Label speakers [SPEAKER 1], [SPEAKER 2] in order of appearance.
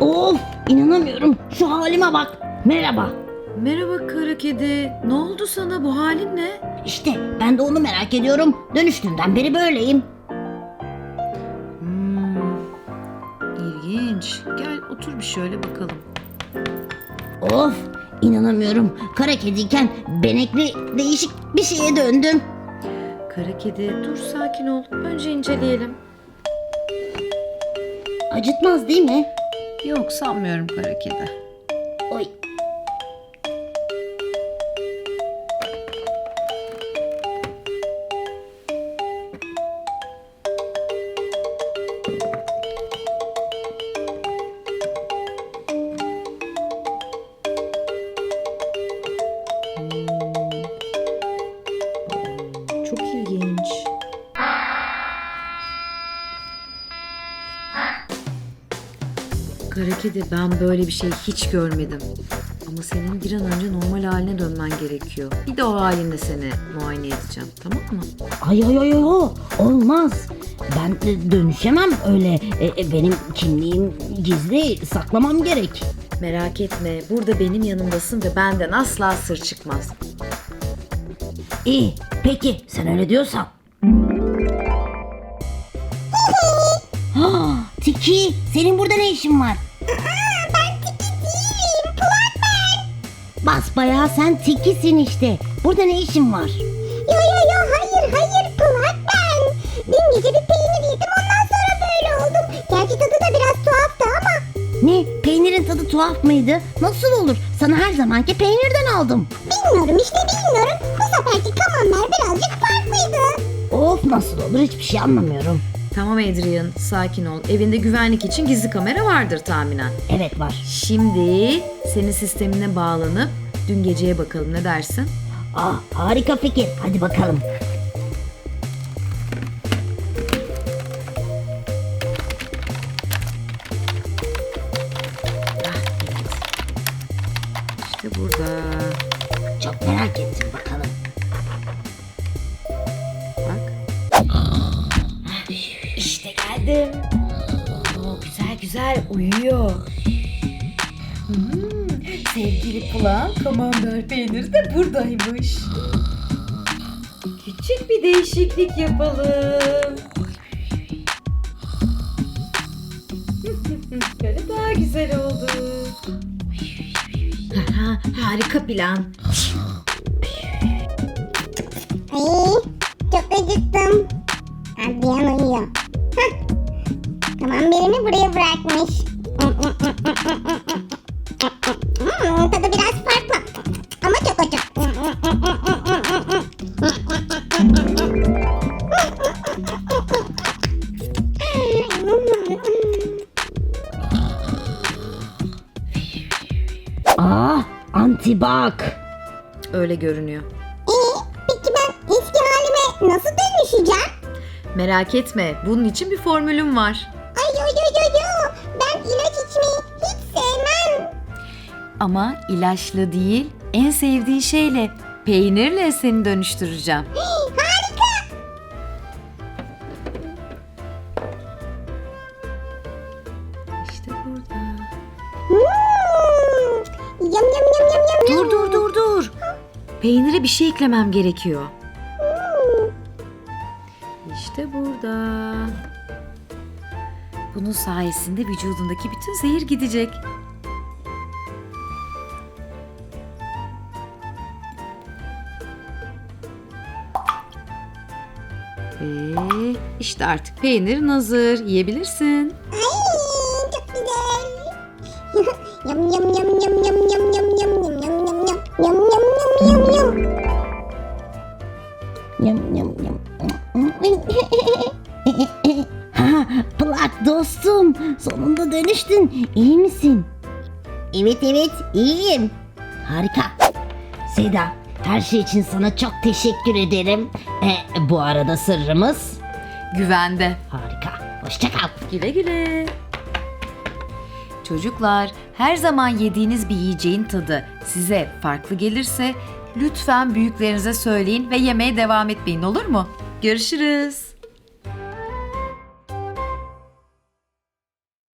[SPEAKER 1] Of, inanamıyorum. Şu halime bak. Merhaba.
[SPEAKER 2] Merhaba kara kedi. Ne oldu sana? Bu halin ne?
[SPEAKER 1] İşte ben de onu merak ediyorum. Dönüştüğümden beri böyleyim.
[SPEAKER 2] İlginç. Gel otur bir şöyle bakalım.
[SPEAKER 1] Of, inanamıyorum. Kara kediyken benekli değişik bir şeye döndüm.
[SPEAKER 2] Kara kedi dur sakin ol. Önce inceleyelim.
[SPEAKER 1] Acıtmaz değil mi?
[SPEAKER 2] Yok sanmıyorum kara kedi.
[SPEAKER 1] Oy.
[SPEAKER 2] Çok ilginç. Kara kedi ben böyle bir şey hiç görmedim. Ama senin bir an önce normal haline dönmen gerekiyor. Bir de o halinle seni muayene edeceğim, tamam mı?
[SPEAKER 1] Ay ay ay ay, olmaz. Ben dönüşemem öyle. Benim kimliğim gizli, saklamam gerek.
[SPEAKER 2] Merak etme, burada benim yanımdasın ve benden asla sır çıkmaz.
[SPEAKER 1] İyi, peki sen öyle diyorsan. Ha, Tiki, senin burada ne işin var? Ben Tiki değilim, Kulak ben. Basbayağı sen Tiki'sin işte. Burada ne işin var?
[SPEAKER 3] Yo hayır Kulak ben. Dün gece bir peynir yedim ondan sonra böyle oldum. Gerçi tadı da biraz tuhaftı ama.
[SPEAKER 1] Ne, peynirin tadı tuhaf mıydı? Nasıl olur? Sana her zamanki peynirden aldım.
[SPEAKER 3] Bilmiyorum. Bu seferki kamamlar birazcık farklıydı.
[SPEAKER 1] Of, nasıl olur, hiçbir şey anlamıyorum.
[SPEAKER 2] Tamam Adrian, sakin ol. Evinde güvenlik için gizli kamera vardır tahminen.
[SPEAKER 1] Evet, var.
[SPEAKER 2] Şimdi senin sistemine bağlanıp dün geceye bakalım, ne dersin?
[SPEAKER 1] Harika fikir, hadi bakalım.
[SPEAKER 2] İşte burada.
[SPEAKER 1] Çok merak ettim, bakalım.
[SPEAKER 2] Bak. İşte geldim. Güzel uyuyor. Sevgili kulağım, kamembert peyniri de buradaymış. Küçük bir değişiklik yapalım. Böyle daha güzel oldu. Harika plan.
[SPEAKER 3] Ay çok acıktım. Adrian uyuyor. Kamamberini buraya bırakmış. Tadı biraz farklı. Ama çok acı.
[SPEAKER 1] Antibak.
[SPEAKER 2] Öyle görünüyor.
[SPEAKER 3] Peki ben eski halime nasıl dönüşeceğim?
[SPEAKER 2] Merak etme, bunun için bir formülüm var.
[SPEAKER 3] Ay yo. Ben ilaç içmeyi hiç sevmem.
[SPEAKER 2] Ama ilaçla değil, en sevdiğin şeyle, peynirle seni dönüştüreceğim.
[SPEAKER 3] Harika.
[SPEAKER 2] İşte burada.
[SPEAKER 3] Yum.
[SPEAKER 2] Dur. Peynire bir şey eklemem gerekiyor. İşte burada. Bunun sayesinde vücudundaki bütün zehir gidecek. Ve işte artık peynirin hazır. Yiyebilirsin.
[SPEAKER 3] Ay çok güzel. Yum.
[SPEAKER 1] Plak dostum, sonunda dönüştün. İyi misin? Evet, iyiyim. Harika. Seda, her şey için sana çok teşekkür ederim. Bu arada sırrımız
[SPEAKER 2] Güvende.
[SPEAKER 1] harika. Hoşça kal.
[SPEAKER 2] Güle güle. Çocuklar, her zaman yediğiniz bir yiyeceğin tadı size farklı gelirse lütfen büyüklerinize söyleyin ve yemeye devam etmeyin, olur mu? Görüşürüz.